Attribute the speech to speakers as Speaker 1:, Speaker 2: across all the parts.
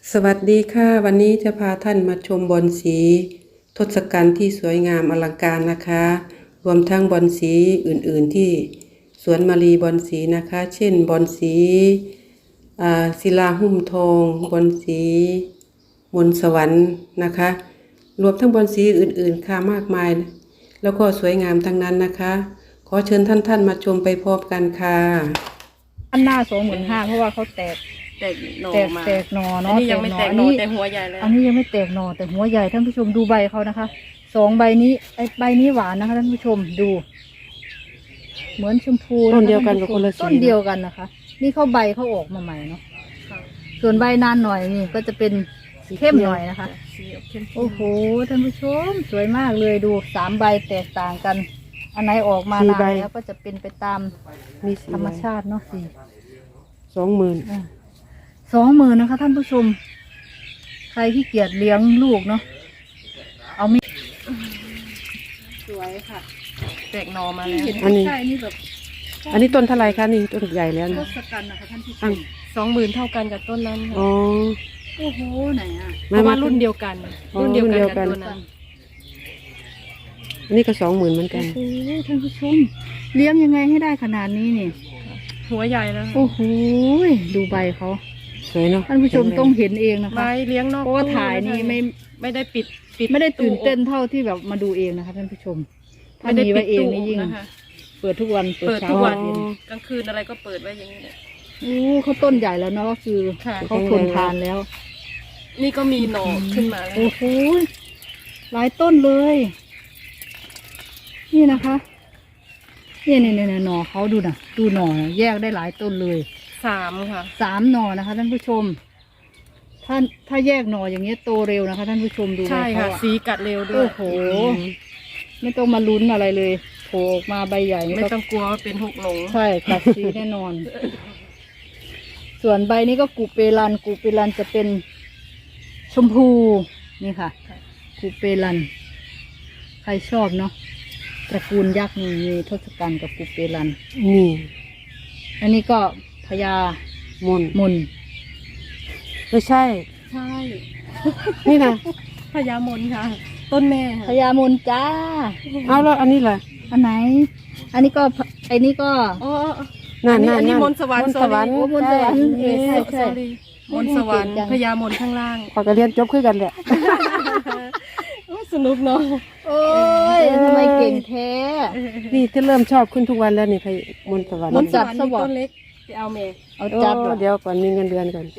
Speaker 1: สวัสดีค่ะวันนี้จะพาท่านมาชมบอนสีทศกัณฐ์ที่สวยงามอลังการนะคะรวมทั้งบอนสีอื่นๆที่สวนมารีบอนสีนะคะเช่นบอนสีศิลาหุ้มทองบอนสีมนต์สวรรค์นะคะรวมทั้งบอนสีอื่นๆค่ะมากมายแล้วก็สวยงามทั้งนั้นนะคะขอเชิญท่านมาชมไปพร้อมกันค่ะ
Speaker 2: อันหน้า25,000เพราะว่าเขาแตก
Speaker 3: หน่อมา
Speaker 2: แตกหน่อเนาะ
Speaker 3: อันนี้ยังไม่แตกหน่อแต่หัวใหญ่เลย
Speaker 2: อันนี้ยังไม่แตกหน่อแต่หัวใหญ่ท่านผู้ชมดูใบเขานะคะ2 ใบนี้ใบนี้หวานนะคะท่านผู้ชมดูเหมือนชมพู
Speaker 1: ต้นเดียวกันกับคนละสี
Speaker 2: ต้นเดียวกันนะคะนี่เขาใบเขาออกมาใหม่เนาะส่วนใบนานหน่อยนี่ก็จะเป็นเข้มหน่อยนะคะโอ้โหท่านผู้ชมสวยมากเลยดู3 ใบแตกต่างกันอันไหนออกมานานแล้วก็จะเป็นไปตามธรรมชาติเนาะ20,000นะคะท่านผู้ชมใครที่เกียจเลี้ยงลูกเนาะเอาไม่สวยค่ะ
Speaker 3: แตกหน่อมาแล้ว
Speaker 1: อันนี้
Speaker 2: ใช่นี่แบบ
Speaker 1: อันนี้ต้นเท่าไรคะนี่ต้นใหญ่แล้ว
Speaker 2: ท
Speaker 1: นะ
Speaker 2: ศกัณฐ์นะคะท่านผู้ชม
Speaker 3: 20,000เท่ากันกับต้นนั้น
Speaker 1: อ๋อ
Speaker 2: โอ้โหไหนอ่ะ
Speaker 3: เพราะว่ารุ่นเดียวกันรุ่นเดียวกันกับต้นนั้น
Speaker 1: อันนี้ก็20,000เหมือนกัน
Speaker 2: โอ้โหท่านผู้ชมเลี้ยงยังไงให้ได้ขนาดนี้นี่
Speaker 3: หัวใหญ่แล้ว
Speaker 2: โอ้โหดูใบเขา
Speaker 1: สวยเนาะ
Speaker 2: ท่านผู้ชมต้องเห็นเองนะคะ
Speaker 3: ใบเลี้ยงนอก
Speaker 2: เพราะว่าถ่ายนี่
Speaker 3: ไม่ได้ปิด
Speaker 2: ไม่ได้ตื่นเต้นเท่าที่แบบมาดูเองนะคะท่านผู้ชมถ้ามีไว้เองนี่ยิ่งเปิดทุกวัน
Speaker 3: เปิดทุกวันกลางคืนอะไรก็เปิดไว้อย่างนี้
Speaker 2: โอ้เขาต้นใหญ่แล้วเนาะก็คือเขาทนทานแล้ว
Speaker 3: นี่ก็มีหน่อขึ้นมาแล้ว
Speaker 2: โอ้โหหลายต้นเลยนี่นะคะเนี่ยหน่อเขาดูนะดูหน่อแยกได้หลายต้นเลย
Speaker 3: 3ค่ะ
Speaker 2: 3 หน่อนะคะท่านผู้ชมถ้าแยกหน่ออย่างเงี้ยโตเร็วนะคะท่านผู้ชมดู
Speaker 3: ใช่ค่ะสีกัดเร็วด้วย
Speaker 2: โอ้โหไม่ต้องมาลุ้นอะไรเลยโผล่ออกมาใบใหญ่
Speaker 3: ไม่ต้องกลัวว่าเป็น6 หลง
Speaker 2: ใช่กัดสีแน่นอนส่วนใบนี้ก็กูเปรันจะเป็นชมพูนี่ค่ะกูเปรันใครชอบเนาะตระกูลยักษ์นี่มีทศกัณฐ์กับกูเปรัน
Speaker 1: นี่
Speaker 2: อันนี้ก็พญามน
Speaker 1: ไม่ใช่นี่นะ
Speaker 3: พญามนค่ะต้นแม่
Speaker 2: พญามนจ้า
Speaker 1: เอาแล้วอันนี้ล่ะ
Speaker 2: อันไหนอันนี้ก็
Speaker 3: อ๋อ
Speaker 1: อันนี้
Speaker 3: มนต์สวรรค์
Speaker 2: มนต์สวรรค์ใช่
Speaker 3: มนต์สวรรค์พญามนข้างล่าง
Speaker 1: พอจะเรียนจบขึ้นกันแหละ
Speaker 3: สนุกเนาะ
Speaker 2: โอ้ยทำไมเก่งแท้
Speaker 1: นี่ที่เริ่มชอบขึ้นทุกวันแล้วนี่พมนต์สวรรค์
Speaker 3: มนต์จับต้นเล็กไปเอาเมย์
Speaker 2: เอาจับ
Speaker 1: เดี๋ยวก่อนมีเงินเดือนก่อน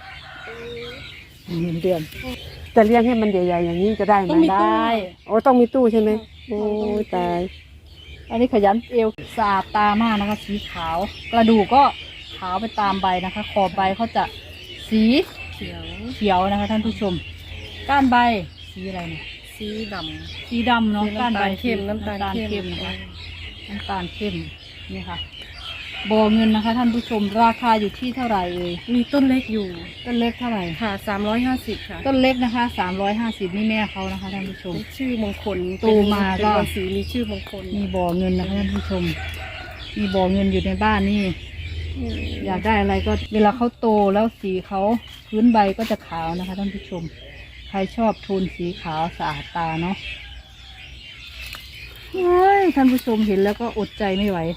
Speaker 2: เงินเดือน
Speaker 1: จะเลี้ยงให้มันใหญ่ๆอย่างนี้จะได้ไหม
Speaker 2: ได้
Speaker 1: โอ้ต้องมีตู้ใช่ไหมโอ้ตาย
Speaker 2: อันนี้ขยันเอวสะอาดตามากนะคะสีขาวกระดูกก็ขาวไปตามใบนะคะขอบใบเขาจะสีเขียวนะคะท่านผู้ชมก้านใบสีอะไรเนี่ยสีดำเนาะก้านใบ
Speaker 3: เข้มน้ำตาลเข้ม
Speaker 2: นะคะน้ำตาลเข้มนี่ค่ะบ่อเงินนะคะท่านผู้ชมราคาอยู่ที่เท่าไหร่เลย
Speaker 3: มีต้นเล็กอยู่
Speaker 2: ต้นเล็กเท่าไหร่
Speaker 3: ค่ะ350ค่ะ
Speaker 2: ต้นเล็กนะคะ350นี่แม่เขานะคะท่านผู้ชม
Speaker 3: ชื่อมงคล
Speaker 2: โตมาก็
Speaker 3: สีมีชื่อมงคล
Speaker 2: มีบ่อเงินนะคะท่านผู้ชมมีบ่อเงินอยู่ในบ้านนี่อยากได้อะไรก็เวลาเขาโตแล้วสีเขาพื้นใบก็จะขาวนะคะท่านผู้ชมใครชอบโทนสีขาวสะอาดตาเนาะท่านผู้ชมเห็นแล้วก็อดใจไม่ไหว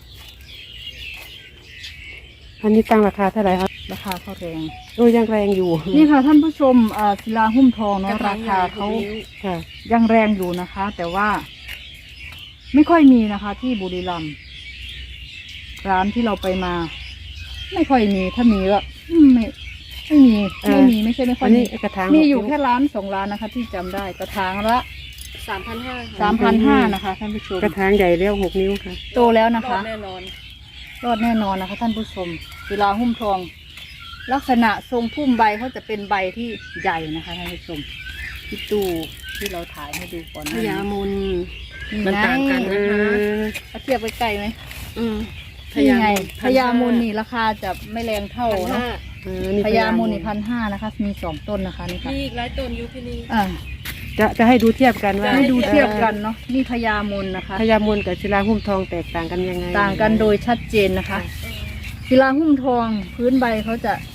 Speaker 1: อันนี้ตั้งราคาเท่าไหร่ครับ
Speaker 2: ราคาเขาแรง
Speaker 1: ยังแรงอยู่
Speaker 2: นี่ค่ะท่านผู้ชมศิลาหุ้มทองเนาะราคาเขายังแรงอยู่นะคะ แต่ว่าไม่ค่อยมีนะคะที่บุรีรัมย์ร้านที่เราไปมาไม่ค่อยมีถ้ามีก็ไม่มีไม่ใช่ไม่ค่อยมี
Speaker 1: กระถาง
Speaker 2: มีอยู่แค่ร้าน2 ร้านนะคะที่จำได้กระถางละ3,500นะคะท่านผู้ชม
Speaker 1: กระถางใหญ่แล้ว6 นิ้วค่ะ
Speaker 2: โตแล้วนะคะ
Speaker 3: รอดแน่นอน
Speaker 2: นะคะท่านผู้ชมศิลาหุ้มทองลักษณะทรงพุ่มใบเขาจะเป็นใบที่ใหญ่นะคะท่านผู้ชมที่ตู้ที่เราถ่ายให้ดูก่อน
Speaker 3: พญามน
Speaker 2: มันต่างกันนะคะเทียบไปไกลไหมพญามนนี่ราคาจะไม่แรงเท่าเนาะพญามนนี่1,500นะคะมี2 ต้นนะคะนี่ค่ะ
Speaker 3: มีอีกหลายต้นอยู่ที่นี่
Speaker 1: จะให้ดูเทียบกันว่า
Speaker 2: ให้ดูเทียบกันเนาะนี่พญามนนะคะ
Speaker 1: พญามนกับศิลาหุ้มทองแตกต่างกันยังไง
Speaker 2: ต่างกันโดยชัดเจนนะคะศิลาหุ้มทองพื้นใบเขาจะ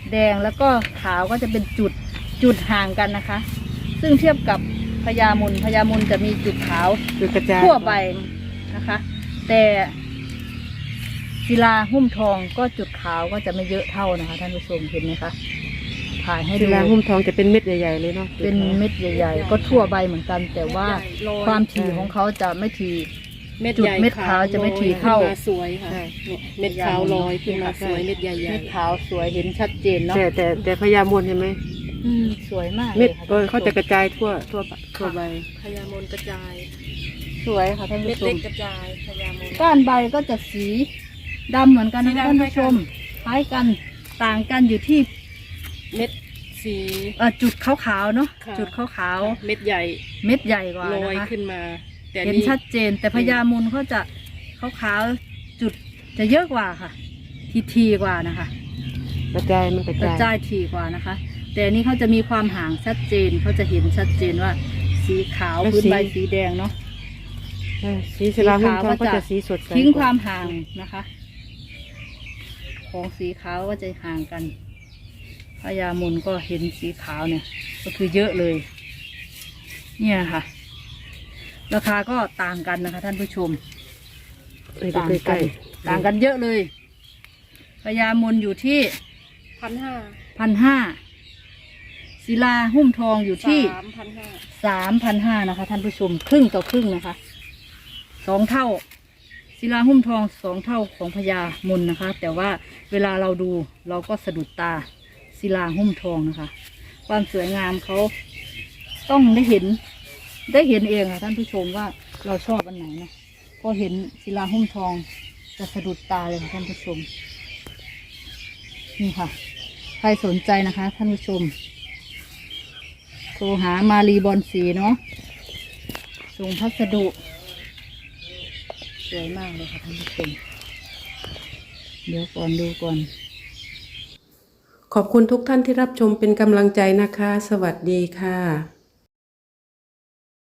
Speaker 2: แดงแล้วก็ขาวก็จะเป็นจุดห่างกันนะคะ ซึ่งเทียบกับพญามนจะมีจุดขาว
Speaker 1: คือกระจาย
Speaker 2: ทั่วไปนะคะ แต่ศิลาหุ้มทองก็จุดขาวก็จะไม่เยอะเท่านะคะท่านผู้ชมเห็นไหมคะถ่ายให้
Speaker 1: ศิ
Speaker 2: ดู
Speaker 1: ลาหุ้มทองจะเป็นเม็ดใหญ่ๆเลยเนาะ
Speaker 2: เป็นเม็ดใหญ่ๆก็ทั่วใบเหมือนกัน แต่ว่าความถี่ของเขาจะไม่ถี่
Speaker 3: เม็ด
Speaker 2: จุด
Speaker 3: ใหญ่
Speaker 2: เม็ดขาวจะไม่ถี่เท่า
Speaker 3: ลอยขึ้นมาสวยค่ะเนี่ยเม็ดขาวลอยขึ้นมาสวยเม็ดใหญ่
Speaker 2: เม็ดขาวสวยเห็นชัดเจนเนาะ
Speaker 1: แต่พญามนเห็นไหม
Speaker 2: สวยมาก
Speaker 1: เม็ด
Speaker 2: ลยค่
Speaker 1: เขาจะกระจายทั่วใบ
Speaker 3: พญามนกระจาย
Speaker 2: สวยค่ะท่าน
Speaker 3: เม็
Speaker 2: ผู้
Speaker 3: ด
Speaker 2: ช
Speaker 3: เล็
Speaker 2: ม
Speaker 3: กกระจายพญามน
Speaker 2: ก้านใบก็จะสีดำเหมือนกันนะคะ
Speaker 3: สี
Speaker 2: ท่าน
Speaker 3: ดำ
Speaker 2: ผู้ชมคล้ายกันต่างกันอยู่ที่
Speaker 3: เม็ดสี
Speaker 2: จุดขาวๆเนาะ
Speaker 3: ค่ะ
Speaker 2: จุดขาว
Speaker 3: เม็ดใหญ่
Speaker 2: ๆเม็ดใหญ่กว่า
Speaker 3: ล
Speaker 2: นะ
Speaker 3: อย
Speaker 2: คะ
Speaker 3: ขึ้นมา แต่
Speaker 2: เห็น
Speaker 3: นี่
Speaker 2: ชัดเจน แต่พญามนเขาจะขาวๆจุดจะเยอะกว่าค่ะ ทีกว่านะคะ
Speaker 1: กระจายมันกระ
Speaker 2: กระ
Speaker 1: จาย
Speaker 2: จายถี่กว่านะคะ แต่อันนี้เขาจะมีความห่างชัดเจนเขาจะเห็นชัดเจนว่า สีขาวพื้นใบสีแดงเนาะ
Speaker 1: สีศิลาหุ้มทองก็จะสีสดใส
Speaker 2: ทิ้งความห่างนะคะ ของสีขาวก็จะห่างกันพญามนก็เห็นสีขาวเนี่ย ก็คือเยอะเลย เนี่ยค่ะ ราคาก็ต่างกันนะคะ ท่านผู้ชม
Speaker 1: ไปดูใกล้
Speaker 2: ต่างกันเยอะเลยพญามนอยู่ที่
Speaker 3: 1,500
Speaker 2: 1,500ศิลาหุ้มทองอยู่ที่
Speaker 3: 3,500
Speaker 2: 3,500นะคะท่านผู้ชมครึ่งต่อครึ่งนะคะ2 เท่าศิลาหุ้มทอง2 เท่าของพญามนนะคะ แต่ว่าเวลาเราดูเราก็สะดุดตาศิลาหุ้มทองนะคะ ความสวยงามเขาต้องได้เห็นเองค่ะท่านผู้ชมว่าเราชอบอันไหนนะพอเห็นศิลาหุ้มทองจะสะดุดตาเลยค่ะท่านผู้ชมนี่ค่ะ ใครสนใจนะคะ ท่านผู้ชมโทรหามารีบอนสีเนาะส่งพัสดุสวยมากเลยค่ะท่านผู้ชมเดี๋ยวก่อนดูก่อน
Speaker 1: ขอบคุณทุกท่านที่รับชมเป็นกำลังใจนะคะ สวัสดีค่ะ